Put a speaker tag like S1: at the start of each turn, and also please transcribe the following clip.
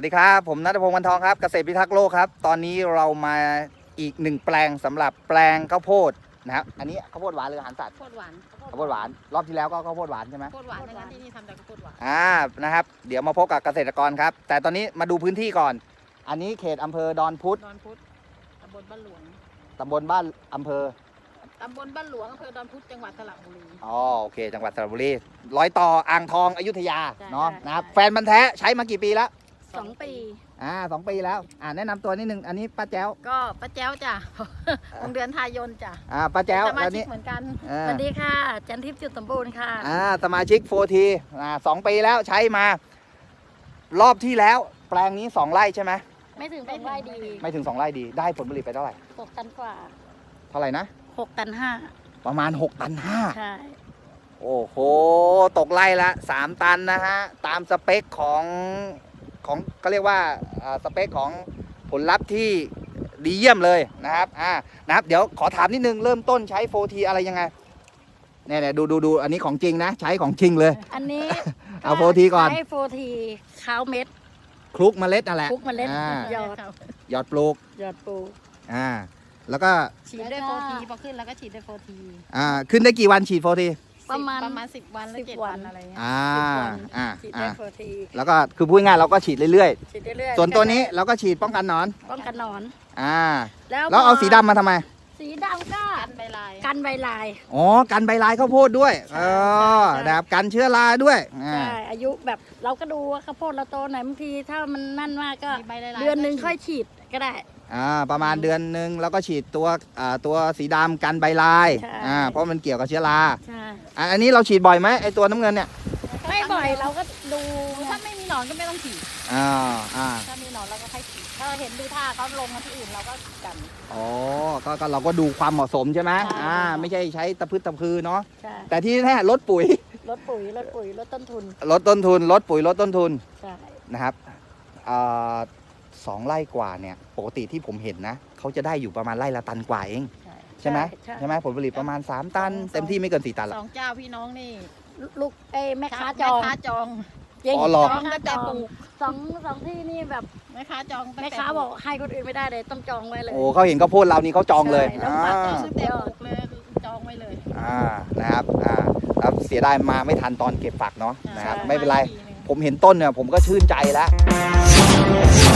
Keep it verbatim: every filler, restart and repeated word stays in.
S1: สดีครับผมณัฐพงศ์ วรรณทองครับเกษตรพิทักษ์โลกครับตอนนี้เรามาอีกหนึ่งแปลงสำหรับแปลงข้าวโพดนะครับอันนี้ข้าวโพดหวานหรืออาหารสัตว์
S2: ข้าวโพดหวาน
S1: ข้าวโพดหวานรอบที่แล้วก็ข้าวโพดหวานใช่ไหม
S2: ข้าวโพดหวานนะคะที่นี่ทำแต่ข้าวโพดหวาน
S1: อ่านะครับเดี๋ยวมาพบกับเกษตรกรครับแต่ตอนนี้มาดูพื้นที่ก่อนอันนี้เขตอำเภอดอนพุธ
S2: ดอนพุธตำบลบ้านหลวง
S1: ตำบลบ้านอำเภอ
S2: ตำบลบ้านหลวงอำเภอดอนพุธจังหวัดสระบุรี
S1: อ๋อโอเคจังหวัดสระบุรีร้อยต่ออ่างทองอยุธยา
S2: ใช่
S1: เนาะ
S2: ใช่
S1: นะครับ
S2: ใช่
S1: แฟนมันธุ์แท้ใช้มากี่ปีแล้ว
S2: สองปี
S1: อ่าสองปีแล้วอ่าแนะนำตัวนิดนึงอันนี้ป้าแจ้ว
S2: ก็ป้าแจ้วจ้ะ วงเดือนทายนจ้ะ
S1: อ่าป้าแจ้ว
S2: สมา
S1: แล้ว
S2: ชิ
S1: นี้
S2: กเหมือนกัน
S1: อ่า
S2: สวัสดีค่ะ จันทิพย์จุดสมบูรณ์ค่ะ
S1: อ่าสมาชิกโฟทีอ่าสองปีแล้วใช้มา รอบที่แล้ว แปลงนี้สองไร่ใช่ไหม
S2: ไม่ถึงสองไร่ดี
S1: ไม่ถึงสองไร่ดีได้ผลผลิตไปเท่าไหร่
S2: หกตันกว่า
S1: เท่าไหร่นะ
S2: หกตันห้า
S1: ประมาณหกตันห้า
S2: ใช่
S1: โอ้โหตกไร่ละสามตันนะฮะตามสเปคของของก็เรียกว่าอ่าสเปคของผลลัพธ์ที่ดีเยี่ยมเลยนะครับอ่านะครับเดี๋ยวขอถามนิดนึงเริ่มต้นใช้โฟทีอะไรยังไงเนี่ยเนี่ยดูดูดูอันนี้ของจริงนะ ใช้ของจริงเลย
S2: อันนี้
S1: เอาโฟทีก่อน
S2: ใช้โฟทีข้าวเม็ด
S1: คลุกเมล็ดนั่นแหละ
S2: คลุกเมล็ด
S1: อ่า
S2: หยอด
S1: หยอดปลูก
S2: หยอดปู
S1: อ่าแล้วก็
S2: ฉีดด้วยโฟทีพอขึ้นแล้วก็ฉีดด้วยโฟที
S1: อ่าขึ้นได้กี่วันฉีดโฟที
S2: ประมาณประมาณสิบวันหรือ
S3: สิบ
S2: เจ็ด
S3: วั
S2: วัน นอะไรเงี้ย
S1: อ่า
S2: สิบวัน
S1: อ่า
S3: ฉีด
S1: อ่า
S3: ได้โฟที
S1: แล้วก็คือพูดง่ายๆเราก็ฉีดเรื่อย
S3: ฉีดเรื่อย
S1: ๆ ส่วนตัวนี้เราก็ฉีดป้องกันหนอน
S3: ป้องกันหนอน
S1: อ่า
S3: แล้ว
S1: แล้วเอา
S3: พ
S1: สีดำมาทำไม
S3: สีดำก็
S2: กันใบลาย
S3: กันใบลาย
S1: อ๋อ กันใบลายข้าวโพดด้วยเออ
S3: ใช่
S1: นะครับกันเชื้อราด้วยอ่า
S3: ใช่อายุแบบเราก็ดูว่าข้าวโพดเราโตไหนบางทีถ้ามันนั่นมากก็
S2: มีใบลายๆ
S3: เดือนหนึ่งค่อยฉีดก็ได้
S1: อ่าประมาณเดือนหนึ่งแล้วก็ฉีดตัวอ่าตัวสีดำกันใบลาย
S3: ใช่
S1: อ่าเพราะมันเกี่ยวกับเชื้อรา
S3: ใช่
S1: อ่าอันนี้เราฉีดบ่อยไหมไอตัวน้ำเงินเนี่ย
S3: ไม่บ่อยเราก็ดู
S2: ถ้าไม่มีหนอนก็ไม่ต้องฉีด
S1: อ่าอ่า
S2: ถ้ามีหนอนเราก็ค่อยฉีดถ้าเห็นดูท่าเขาลงมาที่อื่นเราก็กัน
S1: อ๋อก็ก็เราก็ดูความเหมาะสมใช่ไหม
S2: ใช่
S1: อ่าไม่ใช่ใช้ตะพืชตะพือเนาะ
S3: ใช่
S1: แต่ที่แน่ลดปุ๋ย
S3: ลดปุ๋ยลดปุ๋ยลดต้นทุน
S1: ลดต้นทุนลดปุ๋ยลดต้นทุน
S3: ใช่
S1: นะครับอ่าสองไร่กว่าเนี่ยปกติที่ผมเห็นนะเขาจะได้อยู่ประมาณไร่ละตันกว่าเอง
S3: ใช่
S1: ใช่ไหม
S3: ใช่
S1: ใช่ไหมผลผลิตประมาณ 3 ตัน
S2: สอง
S1: เต็มที่ไม่เกิน 4 ตันหร
S2: ส
S1: อก
S2: องเจ้าพี่น้องนี่
S3: ลูกเอ้ยแม่ค้าจ
S2: แม่
S3: อง
S2: ค้าจอง
S3: จริง
S1: อ๋อเหรอ
S2: จองตั้งแต่ปลูก
S3: สองสองที่นี่แบบ
S2: แม่ค้าจองตั้ง
S3: แม่
S2: แต่
S3: ค้าบอกให้คนอื่นไม่ได้เลยต้องจองไว้เลย
S1: โอ้เขาเห็นข้าวโพดเรานี่เขาจองเลย
S3: ใช่
S1: อ่า
S3: แล้ว
S2: จองตั้งแต่ปลูกเลยจองไว้เลย
S1: อ่านะครับอ่าครับเสียดายมาไม่ทันตอนเก็บฝักเนาะนะครับ
S3: ใช่
S1: ไม่เป็นไร
S2: ทีหง
S1: ผมเห็นต้นเนี่ยผมก็ชื่นใจแล้ว